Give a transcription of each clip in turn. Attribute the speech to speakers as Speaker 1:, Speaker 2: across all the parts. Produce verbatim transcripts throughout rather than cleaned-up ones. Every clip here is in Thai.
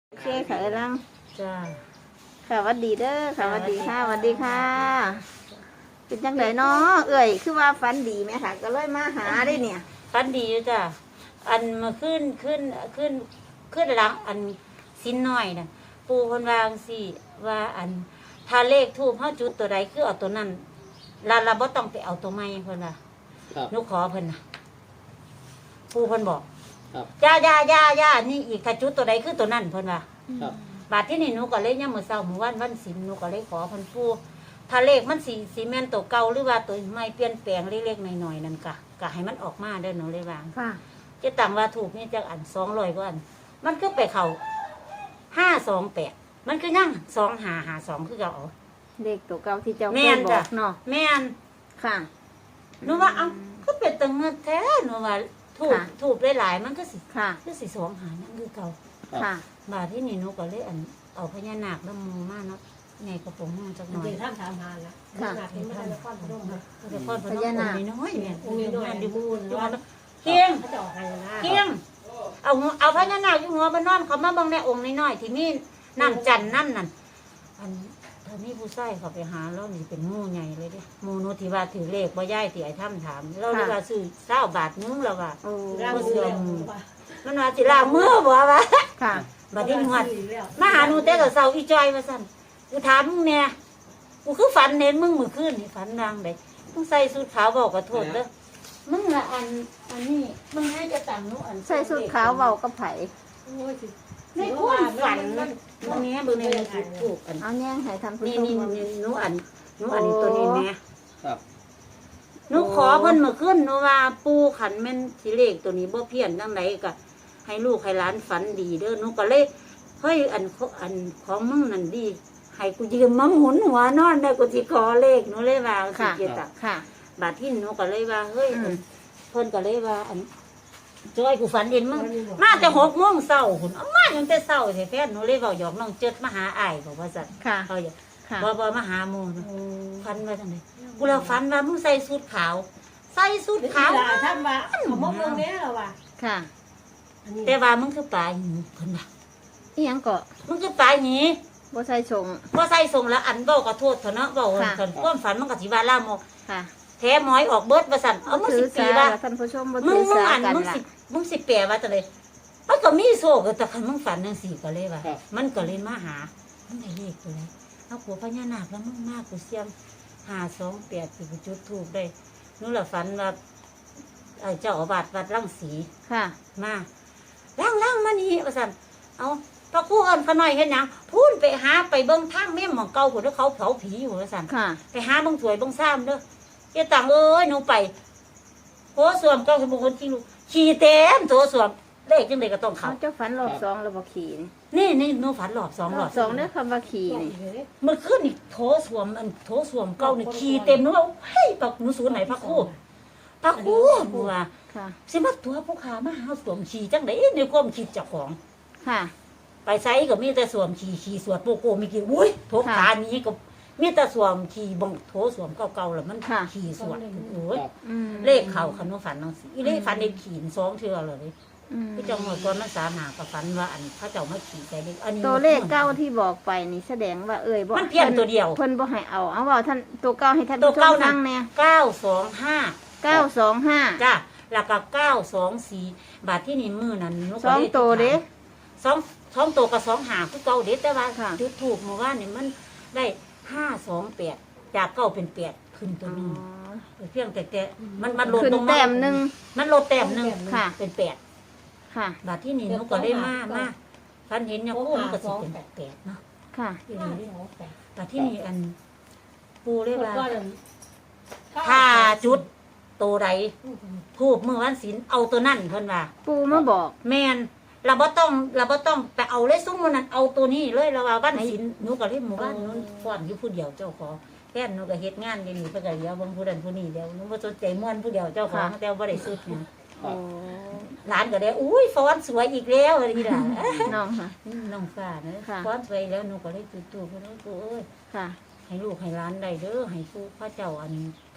Speaker 1: โอเคค่ะเอ้ยลัง
Speaker 2: จ้า
Speaker 1: ค่ะหวัดดีเด้อค่ะหวัดดีค่ะหวัดดีค่ะ เป็นจังไดเนาะเอ้ยคือว่าฝันดีไหมค่ะ ก็เลยมาหาได้เนี่ย
Speaker 2: ฟันดีอยู่จ้าอันมาขึ้นขึ้นขึ้นขึ้นหลังอันสิ้นน้อยน่ะปูคนวาจั่งสิว่าอันถ้าเลขทูบเฮาจุดตัวใดคือเอาตัวนั้นลาเราบ่ต้องไปเอาตัวใหม่เพิ่นว่า
Speaker 3: ครับ
Speaker 2: หนูขอเพิ่นน่ะปูเพิ่นบอก
Speaker 3: ครับ
Speaker 2: ย่าย่าย่าย่านี่อีกถ้าจุดตัวใดคือตัวนั้นเพิ่นว่า
Speaker 3: ครับ
Speaker 2: บาดที่นี่หนูก็เลยยามมื้อเช้ามื้อวันวันศีลหนูก็เลยขอเพิ่นปู่ถ้าเลขมันสิสิแม่นตัวเก่าหรือว่าตัวใหม่เปลี่ยนแปลงเล็กๆน้อยๆนั่นก็ก็ให้มันออกมาเด้อหนูเลยวาง
Speaker 1: ค่ะ
Speaker 2: จะตั้งว่าถูกนี่จักอันสองร้อยกว่าอันมันก็ไปเข้าห้าสองแปดมันก็ยังสองห้าห้าสองคือเก่า
Speaker 1: เด็กตัวเก่าที่เจ้าเค
Speaker 2: แม่
Speaker 1: ย
Speaker 2: น
Speaker 1: บ
Speaker 2: จ้ะ
Speaker 1: อกเนาะ
Speaker 2: แม่น
Speaker 1: ค่ะ
Speaker 2: หนูว่าเอ้าก็เป็นตังเงินแท้หนูว่าถูก
Speaker 1: ค่ะ
Speaker 2: ถูกหลายๆมันก็สิ
Speaker 1: ค่ะ
Speaker 2: คือสิสองหานั่นคือเก่า
Speaker 1: ค่ะ
Speaker 2: บาดที่นี่หนูก็เลยอันเอาพญานาคน้ำมูมาเนาะไงกระโปรงมือจักหน่อย
Speaker 4: เดี๋ยวท่านถามหาละ
Speaker 1: ค่ะ
Speaker 4: ขนาดนี้ไม่ได้นครพนมนะ
Speaker 2: แต่พ่อพนมองค์น้อยๆเนี่ย
Speaker 4: องค์น้อยๆ
Speaker 2: ดู
Speaker 4: ดู
Speaker 2: ดู
Speaker 4: ว่า
Speaker 2: เคียง
Speaker 4: เขาจะออกให้นะ
Speaker 2: เคียงเอาหัวเอาพญานาคอยู่หัวบ้านนอนเขามาบังในองค์น้อยๆที่มีน้ำจันทร์น้ำนั่นอันตอนนี้ผู้ใส่เขาไปหาแล้วนี่เป็นหมู่ใหญ่เลยเดิหมู่โนที่ว่าถือเลขบ่ย่ายที่ไอ้ถ้ำถามเราเลยว่าซื้อเศร้าบาทนึงแล้วว่า
Speaker 1: โอ้
Speaker 4: ร่างมือแล้ว
Speaker 2: มันว่าสิลามือบ่วะ
Speaker 1: ค่ะ
Speaker 2: บัดนี้หวดมาหาหนูแต่กับเสาอีจอยมาสั่นกูถามมึงเนี่ยกูคือฝันเน้นมึงมือขึ้นนี่ฝันนางเด็มึงใส่สูทขาวบอกกับโทษเด้อมึงละอันอันนี้มึงให้จะต่างหนูอัน
Speaker 1: ใส่สุดขาวเบากับไผ
Speaker 2: ในความฝันมึงเนี้ยมึงในมือถูกถูกอัน
Speaker 1: เอาแย่งให้ท่านผู้
Speaker 2: นี่
Speaker 1: ชม
Speaker 2: นี่
Speaker 1: เบิ่ง
Speaker 2: นี่หนูอันหนูอันนี้ตัวนี้แม่
Speaker 3: ครับ
Speaker 2: หนูขอเพิ่นมาขึ้นหนูว่าปูขันแม่นสิเลขตัวนี้บ่เพี้ยนจังไดก็ให้ลูกให้หลานฝันดีเด้อหนูก็เลยเฮ้ยอันอันของมึงนั่นดีให้กูยืมมาหมุนหัวนอนได้กูสิขอเลขหนูเลยว่าสิ
Speaker 1: ค่ะ
Speaker 2: เกียรติ
Speaker 1: ค่ะ
Speaker 2: บาดที่หนูก็เลยว่าเฮ้ย
Speaker 1: อืม
Speaker 2: เพิ่นก็เลยว่าอันจอยกูฝันเห็นมึงมาแต่หกโมงเช้าหุ่นเอามาตั้งแต่เช้าแท้ๆหนูเลยเว้าหยอกน้องเจิดมาหาอ้ายบอกว่าซั่น
Speaker 1: ค่ะ
Speaker 2: เขาอย่า
Speaker 1: ค่ะ
Speaker 2: บ่บ่มาหาหมู่นะฝันว่าจังไดกูละฝันว่ามึงใส่สูทขาว ใส่สูท
Speaker 4: ขา
Speaker 2: ขาว
Speaker 4: วท่านว่าเขามองตรงนี้เหรอวะ
Speaker 1: ค่ะ
Speaker 2: แต่ว่ามึงคือปลาหีเพิ่นว่า
Speaker 1: อีหยังก็
Speaker 2: มึงคือปลาหี
Speaker 1: บ่ใส่ชง
Speaker 2: บ่ใส่ส่งแล้วอันเว้าก็โทษเถอะเนาะเว้า
Speaker 1: ค่ะ
Speaker 2: เพิ่นความฝันมันก็สิว่าลามก
Speaker 1: ค่ะ
Speaker 2: แท้หมอยออกเบิดว่าซั่นเอามึง
Speaker 1: ถื
Speaker 2: สิ
Speaker 1: อ
Speaker 2: ปี
Speaker 1: สา
Speaker 2: ว่า
Speaker 1: ละท่านผู้ชมบ่
Speaker 2: มึ
Speaker 1: ถื
Speaker 2: ง
Speaker 1: อ
Speaker 2: มึง
Speaker 1: สา
Speaker 2: อัน
Speaker 1: กัน
Speaker 2: มึง
Speaker 1: ล่ะ
Speaker 2: สิมึงสิแปลว่าจังไดมันก็มีโซกแต่คันมึงฝันจังซี่ก็เลยว่า
Speaker 3: ครับ
Speaker 2: มันก็เลยมาหามึงได้เลขตัวไหนเอาผัวพญานาคแล้วมึงมากกูเสียมห้าสองแปดสิกูจุดทูบได้นู่นล่ะฝันว่าเอ่อเจ้าอาวาสวัดรังสี
Speaker 1: ค่ะ
Speaker 2: มาล่างล่างมานี่ว่าสั่นเอาพระครู่เอิญขน่อยเห็นหยังพูนไปหาไปเบิ้งทางแม่หมองเก่าผุนแล้วเขาเผาผีอยู่ว่าสั่น
Speaker 1: ค่ะ
Speaker 2: ไปหาเบิ้งสวยเบิ้งซ้ำเด้อเจ้าต่างเอ้ยหนูไปโถสวมเก้าสมบูรณ์จริงลูกขี่เต็มโถสวมเลขจังไดก็ต้อง
Speaker 1: เขา
Speaker 2: เขา
Speaker 1: เจ้าฝันรอบสองแล้วบ่ขี่นี่
Speaker 2: นี่นี่หนูฝันหลอบสองหลอบ
Speaker 1: สองเด้อคำว่าขี่นี่
Speaker 2: มันขึ้นอีกโถสวมอันโถสวมเก้านี่ขี่เต็มหนูว่าเฮ้ยปักหนูสูนไหนพระครู่พระครู่บัว
Speaker 1: ค่ะ
Speaker 2: สิมาตัวผู้ขามาหาสวมขี่จังไดในความคิดเจ้าของ
Speaker 1: ค่ะ
Speaker 2: ไปไซก็มีแต่สวมขี่ขี่สวดโปโกมีกี่อุ้ยโถขานี้ก็มีแต่สวมขี่บงโถสวมเก่าๆแล้วมัน
Speaker 1: ค่ะ
Speaker 2: ขี่สวดโอ้ย
Speaker 3: ครับ
Speaker 1: อืม
Speaker 2: เลขเข่าคันว่าฝันน้องสิอีเลขฝันในขี่สองเทือเลย
Speaker 1: อืม
Speaker 2: พี่เจ้าหมดก่อนมันสามหากับฝันว่าอันพระเจ้ามาขี่ใส่เลขอันนี้
Speaker 1: ตัวเลขเก้าที่บอกไปนี่แสดงว่าเอ่ยบ่
Speaker 2: มันเพี้ยนตัวเดียว
Speaker 1: เพิ่นบ่ให้เอาเอาเว่าท่านตัวเก้าให้ท่าน
Speaker 2: ตัว
Speaker 1: ผู้ช
Speaker 2: เก้าม นั่
Speaker 1: ฟั
Speaker 2: ง
Speaker 1: งแน่
Speaker 2: เก้าสองห้า
Speaker 1: เก้าสองห้า
Speaker 2: จ้าแล้วก็เก้าสองสี่บาทที่นี่มือนั้นนก
Speaker 1: สองตัวเด้
Speaker 2: สองสองตัวกับสองหาคือเก่าเด็ดแต่ว่า
Speaker 1: ค่ะ
Speaker 2: จุดถูกเมื่อวานนี่มันได้ห้าสองแปดจากเก้าเป็นแปดขึ้นตัวหนึง เพียงแต่แต่มันมันลด
Speaker 1: ขึ้น
Speaker 2: ลงา
Speaker 1: แต้มหนึ่ง
Speaker 2: มันลดแต้มหนึ่ง
Speaker 1: ค่ะ
Speaker 2: เป็นแปด
Speaker 1: ค่ะ
Speaker 2: บาทที่นี่หนูก็ได้มามาพันเห็นเนี่ยโอ้มันก็สิเป็นแปดเนาะ
Speaker 1: ค่ะ
Speaker 2: อีหลีบาทที่นี่อันปูเรียกว่า
Speaker 4: ก็
Speaker 2: ถ้าจุดตัวใดทูบมือวันศีลเอาตัวนั่นเพิ่นว่า
Speaker 1: ปูมาบอก
Speaker 2: แมนเราบ่ต้องเราบ่ต้องไปเอาเลยซุ้มมันนั้นเอาตัวนี้เลยเราว่าวันศีลหนูก็เลยหมู่บ้านหนูฟ้อนอยู่ผู้เดียวเจ้าของแค่นหนูก็เฮ็ดงานอยู่นี่เพิ่นก็เลี้ยวเบิ่งผู้นั้นผู้นี้เดียวหนูบ่สนใจม่วนผู้เดียวเจ้าของแต่บ่ได้สุดเนี่ย
Speaker 1: โอ้
Speaker 2: หลานก็ได้อุ้ยฟ้อนสวยอีกแล้วอะไรนี่ล่ะ
Speaker 1: น้องค่ะ
Speaker 2: น้องฟ้าเนอะ
Speaker 1: ค่ะ
Speaker 2: ฟ้อนสวยแล้วหนูก็ได้จุดตูเพิ่นว่ากูเอ้ย
Speaker 1: ค่ะ
Speaker 2: ให้ลูกให้หลานได้เด้อให้ผู้พระเจ้าอัน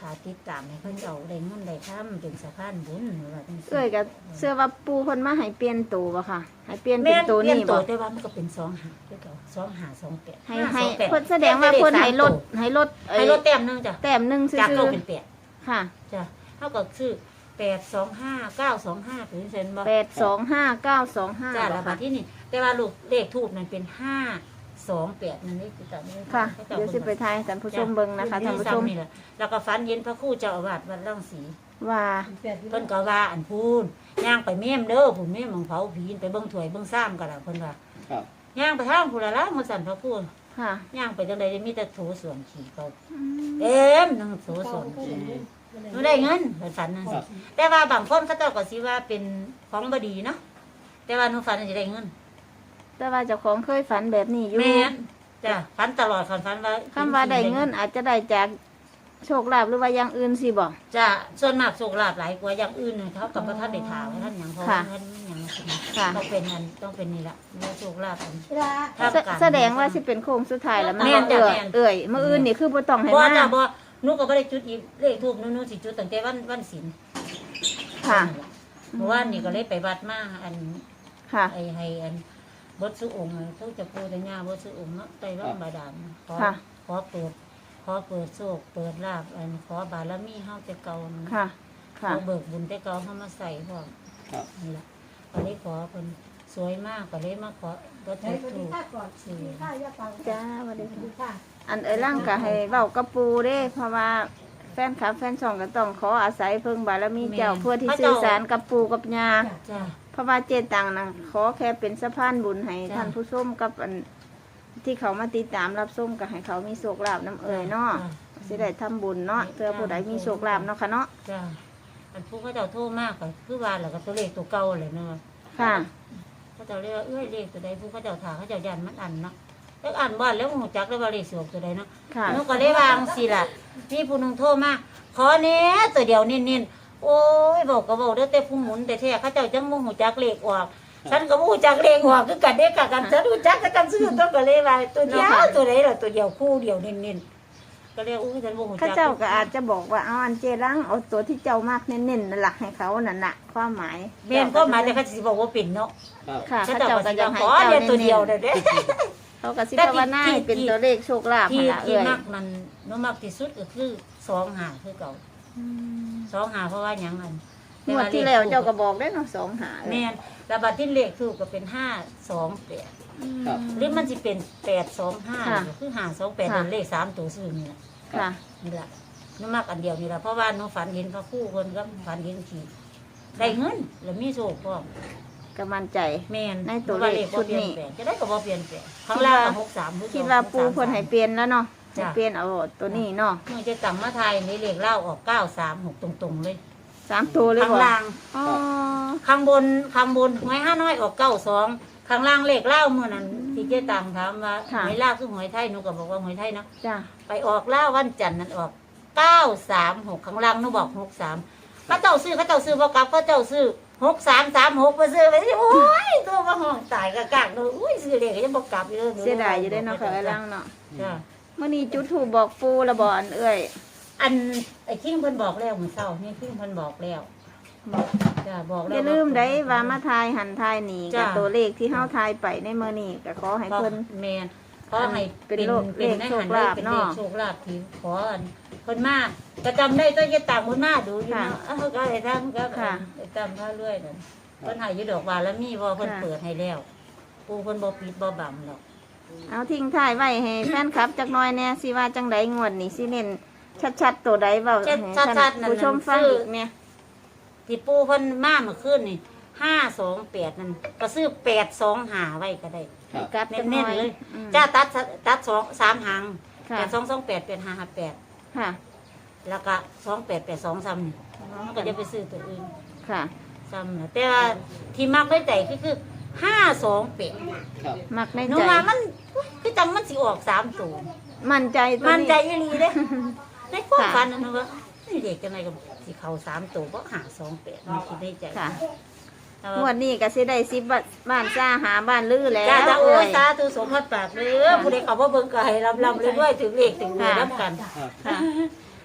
Speaker 2: ถ้าติดตามให้เพิ่นเอาได้เงินได้ค้ำเป็นสะพานบุญว่าจังซี่
Speaker 1: เอ้ยก็เสื้อว่าปูเพิ่นมาให้เปลี่ยนตัวบ่ค่ะให้เปลี่ยนเป็
Speaker 2: แม่
Speaker 1: น
Speaker 2: น
Speaker 1: ตัว
Speaker 2: เปลี่ย
Speaker 1: นี้
Speaker 2: ตั
Speaker 1: บ่
Speaker 2: วแต่ว่ามันก็เป็นสองหาคือเก่าสองหาสองแปด
Speaker 1: ให้
Speaker 2: ห้า
Speaker 1: ให้
Speaker 2: สองแปด
Speaker 1: เพิ่นแสดงว่าเพิ่นให้ลดให้ลดเอ้
Speaker 2: ให้
Speaker 1: ย
Speaker 2: ลดแต้มหนึงจ้ะ
Speaker 1: แต้มหนึงซื่
Speaker 2: จาก
Speaker 1: อ
Speaker 2: เก้าเป็นแปด
Speaker 1: ๆค่ะ
Speaker 2: จ้ะเท่ากับชื่อแปดสองห้าเก้าสองห้าเป็นเซนบ่
Speaker 1: แปดสองห้าเก้าสองห้า
Speaker 2: จ้ะ
Speaker 1: บ่
Speaker 2: แล้วบั
Speaker 1: ค่ะ
Speaker 2: ดที่นี่แต่ว่าลูกเลขทูบนั่นเป็นห้าสองแปดนั่นนี่คือตามนี้
Speaker 1: ค่ะ
Speaker 2: เขาจะ
Speaker 1: เดี๋ยวสิไปทายให้ท่านผู้ชมเบิ่งนะคะท่านผู้ชม
Speaker 2: นี่แหละแล้วก็ฝันเย็นพระครู่เจ้าอาวาสวัดร่องศรี
Speaker 1: ว่า
Speaker 4: แปด
Speaker 2: เพิ่นก็ว่าอันพูนย่างไปเมี่ยมเด้อผู้เมี่ยมของเผาผีไปเบิ่งถ้วยเบิ่งซ้ำกันล่ะเพิ่นว่า
Speaker 3: ครับ
Speaker 2: ย่างไปทางผู้ละละมื้อสั่นพระครู่
Speaker 1: ค่ะ
Speaker 2: ย่างไปจังได๋มีแต่โถส่วนขี้เขา
Speaker 1: อืม
Speaker 2: เต็มทั้งโถส่วนขี้หนูได้เงินเพิ่นฝันนั่นสิแต่ว่าบางคนเขาเจ้าก็สิว่าเป็นของบ่ดีเนาะแต่ว่าหนูฝันว่าสิได้เงิน
Speaker 1: แต่ว่าเจ้าของเคยฝันแบบนี้อยู่
Speaker 2: แม่นจ้ะฝันตลอดคันฝันว่า
Speaker 1: คำว่าได้เงินอาจจะได้จากโชคลาภหรือว่าอย่างอื่นสิบ่
Speaker 2: จ้ะส่วนมากโชคลาภหลายกว่าอย่างอื่นน่ะเขากับบ่ทันได้ถามว่าท่านหยังเพราะว่าเงินมันหยัง
Speaker 1: ค่ะ
Speaker 2: ต้องเป็นอันต้องเป็นนี่ล่ะเนื้อโชคลาภอัน
Speaker 4: เวลา
Speaker 2: ท่าม
Speaker 1: แส
Speaker 2: กลาง
Speaker 1: แสดงว่าสิเป็นโค้งสุดท้ายแล้วมัน
Speaker 2: แม่นจ้ะ
Speaker 1: เอ่ย
Speaker 2: แม่น
Speaker 1: เอ่ยมื้ออื่นนี่คือบ่ต้องให้
Speaker 2: บ่
Speaker 1: มา
Speaker 2: จ้ะบ่หนูก็บ่ได้จุดอีกเลขทูบหนูหนูสิจุดตั้งแต่วันวันศีล
Speaker 1: ค่ะ
Speaker 2: เมื่อวานนี่ก็เลยไปวัดมาอัน
Speaker 1: ค่ะ
Speaker 2: ไอ้ให้อันบทสุองค์เขาจะปูแต่ย่าบทสุองค์เนาะไตรร่องบาดาลขอ
Speaker 1: ค่ะ
Speaker 2: ขอเปิด ขอเปิดโชคเปิดลาภอันขอบารมีเฮาแต่เก่านะ
Speaker 1: ค่ะ
Speaker 2: ข
Speaker 1: ค่ะ
Speaker 2: อเบิกบุญแต่เก่าเฮามาใส่พร้อม
Speaker 3: ครับ
Speaker 2: นี่ล่ะก็เลยขอเพิ่นสวยมากก็เลยมาขอบ่ถูก
Speaker 4: สวัส
Speaker 2: ถู
Speaker 4: ดี
Speaker 2: ก
Speaker 4: ค่ะก่อนสวัสดีค่ะย่าปัง
Speaker 1: จ้าสวัสดี
Speaker 4: สวัส
Speaker 1: ค่ะ
Speaker 4: ดีค่ะ
Speaker 1: อันเอ้ยร่างก็ให้เว้ากับปูเด้ เพราะว่าแฟนคลับแฟนช่องก็ต้องขออาศัยเพิ่งบารมีเจ้าเพื่อที่สื่อสารกับปูกับยา
Speaker 2: จ้ะ
Speaker 1: เพราะว่าเจตังนะขอแค่เป็นสะพานบุญให้
Speaker 2: จ้ะ
Speaker 1: ท่านผู้ชมกับอันที่เขามาติดตามรับชมก็ให้เขามีโชคลาภน้ำเอ่ยเนาะสิได้ทำบุญเนาะเพื่อผู้ใดมีโชคลาภเนาะค่ะเนาะ
Speaker 2: จ้ะอันผู้เขาเจ้าโทษมากก็คือว่าแล้วก็ตัวเลขตัวเก่าเลยเนาะ
Speaker 1: ค่ะ
Speaker 2: เขาเจ้าเรียกว่าเอ้ยเลขตัวใดผู้เขาเจ้าถาเขาเจ้ายันมันอันเนาะแล้วอันบ้านแล้วหูจักแล้วว่าเลขสวกตัวใดเนาะ
Speaker 1: ค่ะ
Speaker 2: หนูก็เลยวางสิล่ะพี่ผู้หนึงโทรมาขอเนี้ยตัวเดียวเน้นๆโอ้ยบอกก็บอกเด้อแต่ผู้หมุนแต่แท้เขาเจ้าจังบ่หูจักเลขออกฉันก็บ่หูจักเลขออกคือกันเด้กะกันฉันหูจักก็จังซื้อต้องก็เลยว่าตัวเดียวตัวใดล่ะตัวเดียวคู่เดียวเน้นๆก็เลยอุ้ยฉันบ่หูจั
Speaker 1: ข้าก เจ้าก็อาจจะบอกว่าเอาอันเจรังเอาตัวที่เจ้ามากเน้นๆนั่นแหละให้เขานั่นน่ะความหมาย
Speaker 2: แม่นก็หมายแต่เขาสิบอกว่าเป็นเนาะ
Speaker 3: ครับ
Speaker 1: ค่ะ
Speaker 2: เขา
Speaker 1: ข้า
Speaker 2: เจ้า
Speaker 1: เจ้า
Speaker 2: ก็
Speaker 1: ก็
Speaker 2: สิ
Speaker 1: จะ
Speaker 2: ยัง
Speaker 1: ให้
Speaker 2: ขอ
Speaker 1: เจ้า
Speaker 2: เดียว
Speaker 1: เน้
Speaker 2: ตัวน เดียว
Speaker 1: ๆ
Speaker 2: เด้อเด้
Speaker 1: เขาก็สิภาวนาให้เป็นตัวเลขโชคลาภ
Speaker 2: ที่
Speaker 1: หั่นล่ะ
Speaker 2: ที่
Speaker 1: เอ่ย
Speaker 2: มักมันหนูมักที่สุดก็คือสองหาคือเก่า
Speaker 1: อืม
Speaker 2: สองหาเพราะว่าหยังอัน
Speaker 1: งวดที่แล้วเจ้าก็บอกได้เนาะสองหาเอ้ย
Speaker 2: แม่นแล้วบัดที่เลขถูกก็เป็นห้าสองแปด
Speaker 3: ครับ
Speaker 2: หรือมันจะเป็นแปดสองห้า
Speaker 1: ค่ะ
Speaker 2: คือห้าสองแปด
Speaker 1: ค่ะ
Speaker 2: เป็นเลขสามตัวซื้อนี่แหละ
Speaker 1: ค่ะ
Speaker 2: นี่แหละหนูมักอันเดียวนี่แหละเพราะว่าหนูฝันเห็นพระคู่คนก็ฝันเห็นขี่ได้เงินแล้วมีโชคพร้อม
Speaker 1: ก็มั่นใจ
Speaker 2: แม่น
Speaker 1: ในตัวเลข
Speaker 2: พราะา
Speaker 1: ชุด
Speaker 2: บ่
Speaker 1: นี้
Speaker 2: เปลี่ยนแปลงจะได้ก็บ่เปลี่ยนแปลงข้างล่างก็หกสามคือเก่
Speaker 1: คิดว่าปูเพิ่นให้เปลี่ยนแล้วเนาะให้
Speaker 2: จ้ะ
Speaker 1: เปลี่ยนเอาตัวนี้เนาะ
Speaker 2: เมื่อจะต่ำมาไทยในเลขเล่าออกเก้าสามหกตรงๆเลย
Speaker 1: สามตัวเลย
Speaker 2: ข้าง
Speaker 1: บ่
Speaker 2: ล่าง
Speaker 1: อ๋อ
Speaker 2: ข้างบนข้างบนหวยห้าน้อยออกเก้าสองข้างล่างเลขเล่าเมื่อนั้นที่เจ๊ตังถามว่าหวยลาวคือหวยไทยหนูก็บอกว่าหวยไทยเนาะ
Speaker 1: จ้ะ
Speaker 2: ไปออกเล่าวันจันทร์นั้นออกเก้าสามหกข้างล่างหนูบอกหกสามเขาเจ้าซื้อเขาเจ้าซื้อบ่กลับเขาเจ้าซื้อหกสามสามหกมาซื้อไปสิโอ้ยตัวมาห้องตายกะกากเลยอุ้ยซื้อเลขก็ยังบ่กลับอยู่เลย
Speaker 1: เสียดายอยู่ได้เนาะค่ะไอ้ลังเนาะ
Speaker 2: จ้ะ
Speaker 1: เมื่อนี้จุดถูกบอกปูและบ่อันเอ้ย
Speaker 2: อันไอ้คิงเพิ่นบอกแล้วมื้อเช้านี่คิงเพิ่นบอกแล้วจ้ะบอกแล้ว
Speaker 1: อย่าลืมได้ว่ามาทายหันทายหนี
Speaker 2: จ้ะ
Speaker 1: กับตัวเลขที่เฮาทายไปในมื้อนี้ก็ขอให้
Speaker 2: ขอ
Speaker 1: เพิ่น
Speaker 2: แม่นขอให้
Speaker 1: เป็น
Speaker 2: เป็น
Speaker 1: โลก
Speaker 2: เป็น
Speaker 1: เลข
Speaker 2: ใน
Speaker 1: โช
Speaker 2: หั
Speaker 1: คน ลาภ
Speaker 2: เป็น
Speaker 1: เนาะ
Speaker 2: เลขโชคลาภที่ขออันเพิ่นมาก็จำได้ตัวจะต่างเพิ่นมาดูอยู่
Speaker 1: ค่ะ
Speaker 2: เนาะเอ้าก็ได้ทำก็
Speaker 1: ค่ะ
Speaker 2: ได้จำพาเรื่อยนั่นเพิ่นให้อยู่ดอกบานแล้วมีบ่เพิ่น
Speaker 1: ค่ะ
Speaker 2: เปิดให้แล้วปูเพิ่นบ่ปิดบ่บังหรอก
Speaker 1: เอาทิ้งท้ายไว้ให้แฟนคลับจักหน่อยแน่สิว่าจังไดงวดนี้สิเน้นชัดๆตัวใดเว้าให้ท่านผู้ชมฟังอีกเนี่ย
Speaker 2: ที่ปูเพิ่นมาเมื่อคืนนี่ห้าสองแปดนั่นก็ซื้อแปดสองหาไว้ก็ได้
Speaker 3: ครับ
Speaker 1: กลับจักห
Speaker 2: เน้
Speaker 1: น่
Speaker 2: น
Speaker 1: อย
Speaker 2: ๆเลย
Speaker 1: อืม
Speaker 2: จ้าตัดตัดสองสามหาง
Speaker 1: ค่ะ
Speaker 2: แปดสองสองแปดแปดห้าห้าแปด
Speaker 1: ค่ะ
Speaker 2: แล้วก็สองแปดแปดสองซ้ำนี่มันก็จะไปซื้อตัวอื่น
Speaker 1: ค่ะ
Speaker 2: ซ้ำนะแต่ว่าที่มักได้ใจก็คือห้าสองแปด
Speaker 3: ครับ
Speaker 1: มักใน
Speaker 2: หนู
Speaker 1: ใจ
Speaker 2: ว่ามันคือจังมันสิออกสามตัว
Speaker 1: มั่นใจตัว
Speaker 2: มัน
Speaker 1: นี้
Speaker 2: ใจอีหลีเด้ในความ
Speaker 1: ค่ะ
Speaker 2: ฝันนะหนูว่านี่เด็กจังไงกับสิเขาสามตัวเพราะหาสองแปดมันคิดได้ใจ
Speaker 1: ค่ะ
Speaker 2: แต่
Speaker 1: งว
Speaker 2: ว่า
Speaker 1: ดนี้ก็สิได้สิบบ้านจ้าหาบ้านลือแล้ว
Speaker 2: จ้าจ้าโอ้
Speaker 1: เอ้
Speaker 2: ย
Speaker 1: ย
Speaker 2: สาธุสมพัดปากเลยผู้ใดเขาว่าเบิ่งก็ให้ลำลำเลยด้วยถึงเลขถึงเงินรับกัน
Speaker 3: ครับ
Speaker 1: ค่ะ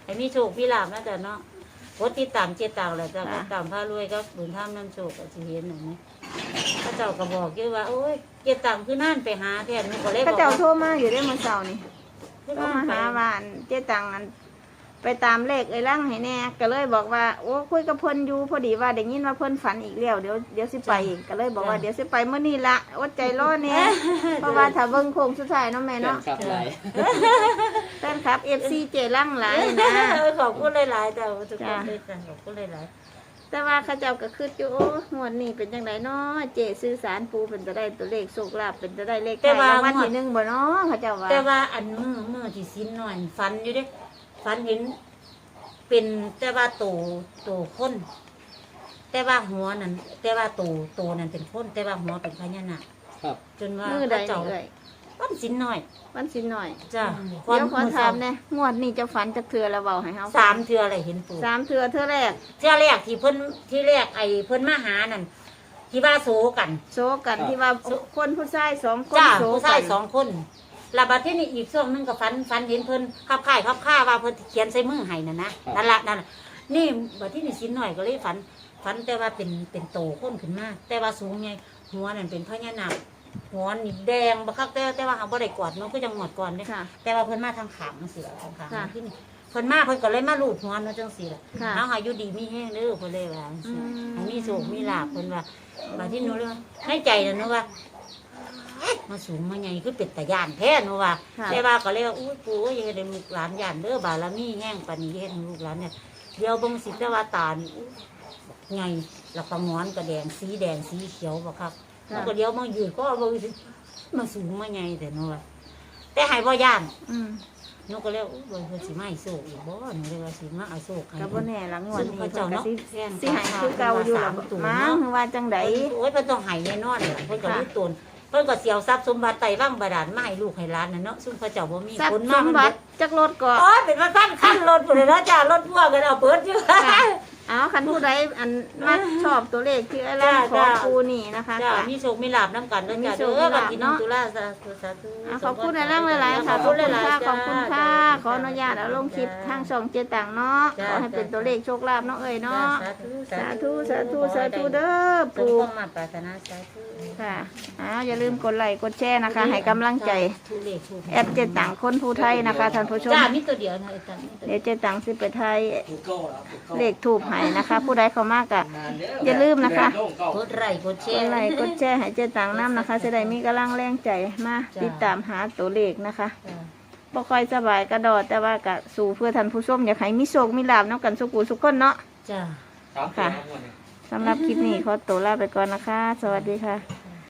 Speaker 2: ให้มีโชคมีลาภนะจ๊ะเนาะกดติดตามเจตังแหละจ้ะติดตามพารวยก็บุญธรรมนำโชคก็สิเห็นอันนี้พระเจ้าก็บอกอยู่ว่าโอ้ยเจตังคือนั่นไปหาแทนนี่ก็เลยบ
Speaker 1: เขา
Speaker 2: อก
Speaker 1: เจ้า
Speaker 2: ว่า
Speaker 1: โทรมาอยู่ได้อมื้อเช้านี่
Speaker 2: คือ
Speaker 1: โทร
Speaker 2: ว่า
Speaker 1: มา
Speaker 2: ไป
Speaker 1: หาว่าอันเจ๊ตังอันไปตามเลขไอ้ร่างให้แน่ก็เลยบอกว่าโอ้คุยกับเพิ่นอยู่พอดีว่าได้ยินว่าเพิ่นฝันอีกแล้วเดี๋ยวเดี๋ยวสิไปอีกก็เลยบอกว่าเดี๋ยวสิไปมื้อนี้ละอดใจรอแน่เพราะว่าถ้าเบิ่งโค้งสุดท้ายเนาะแม่
Speaker 3: แฟน
Speaker 1: เนาะ
Speaker 3: คลับหลาย
Speaker 1: แฟนคลับ เอฟ ซี เจร่างหลายนะ
Speaker 2: เออขอบคุณหลายๆจ้ะทุกคนเลยจ้ะขอบคุณหลาย
Speaker 1: แต่ว่าเขาเจ้าก็คืออยู่โอ้งวดนี้เป็นจังไดเนาะเจสื่อสารปูเป็นจะได้ตัวเลขโชคลาภเป็นจะได้เลขไทยรางวัลที่หนึ่งบ่เนาะเขาเจ้าว่า
Speaker 2: ๆแต่ว่าอันมือมือที่สิ้นหน่อยฟันอยู่เด้ฟันเห็น เป็นแต่ว่าโตโตคนแต่ว่าหัวนั่นแต่ว่าโตโตนั่นเป็นคนแต่ว่าหัวเป็นพญานาค
Speaker 3: ครับ
Speaker 2: จนว่า
Speaker 1: มือใด
Speaker 2: พระเจ้า
Speaker 1: เอ่ย
Speaker 2: วันสิ้นหน่อย
Speaker 1: วันสินหน่อย
Speaker 2: จ้ะ
Speaker 1: เดี๋ยวขอถามแน่งวดนี้เจะฝันจักเทื่อแล้วเว้าให้เฮาฟัง
Speaker 2: สามเทืออะไรเห็นปู่
Speaker 1: สามเทื่อเทื่อแรก
Speaker 2: เทือแรกที่เพิ่นที่แรกไอ้เพิ่นมาหานั่นที่ว่าโศกัน
Speaker 1: โซกันที่ว่าคนผู้ชายสองคน
Speaker 2: จ้า
Speaker 1: โซ
Speaker 2: ผู้
Speaker 1: กั
Speaker 2: ชาย
Speaker 1: น
Speaker 2: สองคนแลาบัดที่นี่อีกช่วงหนึงก็ฟันฟันเห็นเพิ่นขับข่ายขับข้าว่าเพิ่นเขียนใส่มือให้นั่นนะนั่นละนั่นล่ะนี่บัดที่นี่สิ้นหน่อยก็เลยฝันฝันแต่ว่าเป็นเป็นโตคนขึ้นมาแต่ว่าสูงไงหัวนั่นเป็นพญานาคหัวนี่แดงบักคักแต่แต่ว่าเขาบ่ได้กอดมันก็ยังหมดก่อนเด้
Speaker 1: ค่ะ
Speaker 2: แต่ว่าเพิ่นมาทางขางจังซี่ล่ะทางขาง
Speaker 1: ค่ะ
Speaker 2: ที่นี่เพิ่นมาเพิ่นก็เลยมาลูดหัวเนาะจังซี่ล่ะ
Speaker 1: ค่ะ
Speaker 2: เฮาอายุดีมีแห้งเด้อเพิ่นเลยว่าจังซี่
Speaker 1: อืม
Speaker 2: ให้มีโชคมีลาภเพิ่นว่าบัดที่หนูเลยว่าในใจน่ะหนูว่ามาสูงมาใหญ่คือเป็ดตาย่านแท้หนูว่า
Speaker 1: ค่ะ
Speaker 2: แต่ว่าก็เลยว่าอุ้ยปู่อย่าให้ลูกหลานย่านเด้อบารมีแห้งปานนี้เฮ็ดให้ลูกหลานเนี่ยเดี๋ยวเบิ่งสิแต่ว่าตานี่อู้ใหญ่แล้วก็งอนก็แดงสีแดงสีเขียวบ่ครับ
Speaker 1: ค่ะ
Speaker 2: แล้วก็เดี๋ยวมายืนก็เบิ่งสิมาสูงมาใหญ่แต่หนูว่าแต่ให้บ่ย่าน
Speaker 1: อืม
Speaker 2: หนูก็เลยอู้เบิ่งเพิ่นสิมาให้โชคอีกบ่หนูเลยว่าสิมาเอาโชคให้
Speaker 1: ก็บ่แน่ละงวด
Speaker 2: ซึ่ง
Speaker 1: นี้
Speaker 2: พระ
Speaker 1: เพิ่
Speaker 2: เจ้าน
Speaker 1: ก็
Speaker 2: เนาะ
Speaker 1: สิ
Speaker 2: แม่น
Speaker 1: สิให้คือเก่าอยู่หรอ
Speaker 2: สามตัว
Speaker 1: มั้ง
Speaker 2: เนาะ
Speaker 1: ว่าจังได
Speaker 2: โอ้ยเพิ่นต้องให้แน่นอนล่ะเพิ่นก็รู้ตนเพิ่นก็เสียวทรัพย์สมบัติไต่ว่างบาดาลมาให้ลูกให้หลานน่ะเนาะซึ่งพระเจ้าบ่มี
Speaker 1: ทรัพ
Speaker 2: คน
Speaker 1: ย์ส
Speaker 2: มาม มัน
Speaker 1: บั
Speaker 2: เบิ
Speaker 1: ติ
Speaker 2: ด
Speaker 1: จักรถก็
Speaker 2: โอ้ยเป็นว่าพันคันรถพุ่นเลยนะจ้ารถพ่วงกันเอาเปิดอยู่
Speaker 1: ค่ะ เอาคันผู้ใดอันมักชอบตัวเลขที่อะไร
Speaker 2: จ้า
Speaker 1: ของ
Speaker 2: จ้า
Speaker 1: ปูนี่นะคะ
Speaker 2: จ้า
Speaker 1: ค่ะ
Speaker 2: มีโชคมีลาภนํกันเด้อ
Speaker 1: มี
Speaker 2: จ้า
Speaker 1: โช
Speaker 2: เด้
Speaker 1: ค
Speaker 2: อ
Speaker 1: มี
Speaker 2: บั
Speaker 1: ลา
Speaker 2: ด
Speaker 1: ภ
Speaker 2: นี้น้อง
Speaker 1: เนาะ
Speaker 2: ตุลาสาธุสาธุ
Speaker 1: อ่ะขอบคุณในร่างหลายๆค่ะขอบคุณค่ะขอบคุณค่ะขออนุญาตเอาลงคลิปทางช่องเจตังเนาะขอให้เป็นตัวเลขโชคลาภเนาะเอ้ยเนาะ
Speaker 2: สาธุ
Speaker 1: สาธุสาธุสาธุเด้อ
Speaker 2: ปู
Speaker 1: ปู
Speaker 2: มาปรารถนาสาธุ
Speaker 1: ค่ะอ้าวอย่าลืมกดไลค์กดแชร์นะคะ ให้กำลังใจ
Speaker 2: ทุเลขถูก
Speaker 1: แอดเจตังคนผู้ไทยนะคะท่านผู้ชม
Speaker 2: จ้ามีตัวเดียวนะไอ้ตันมีตัวเดียว
Speaker 1: เดี๋ยวเจตังสิไปไทย
Speaker 3: ถูกเก้าแล้วถูกเก้า
Speaker 1: เลขถูกให้นะคะ ผู้ใดเขามากอะ
Speaker 3: นานเด้
Speaker 1: อย่าลืมนะคะ
Speaker 3: โลกเก้าก
Speaker 2: ดไลค์กดแช
Speaker 1: กด
Speaker 2: ร์
Speaker 1: ไลค์กดแชร์ให้เจตังน้ำนะคะจะได้มีกำลังแรงใจมา
Speaker 2: จ้ะ
Speaker 1: ติดตามหาตัวเลขนะคะ
Speaker 2: จ้า
Speaker 1: บ่ค่อยสบายกระดอดแต่ว่ากะสู่เพื่อท่านผู้ชมอยากให้มีโชคมีลาภน้ำกันสุกุสุกคนเนาะ
Speaker 2: จ้า
Speaker 3: สามตัวครับวันนี้
Speaker 1: สำหรับคลิปนี้ขอตัวลาไปก่อนนะคะ สวัสดีค่ะ
Speaker 2: ค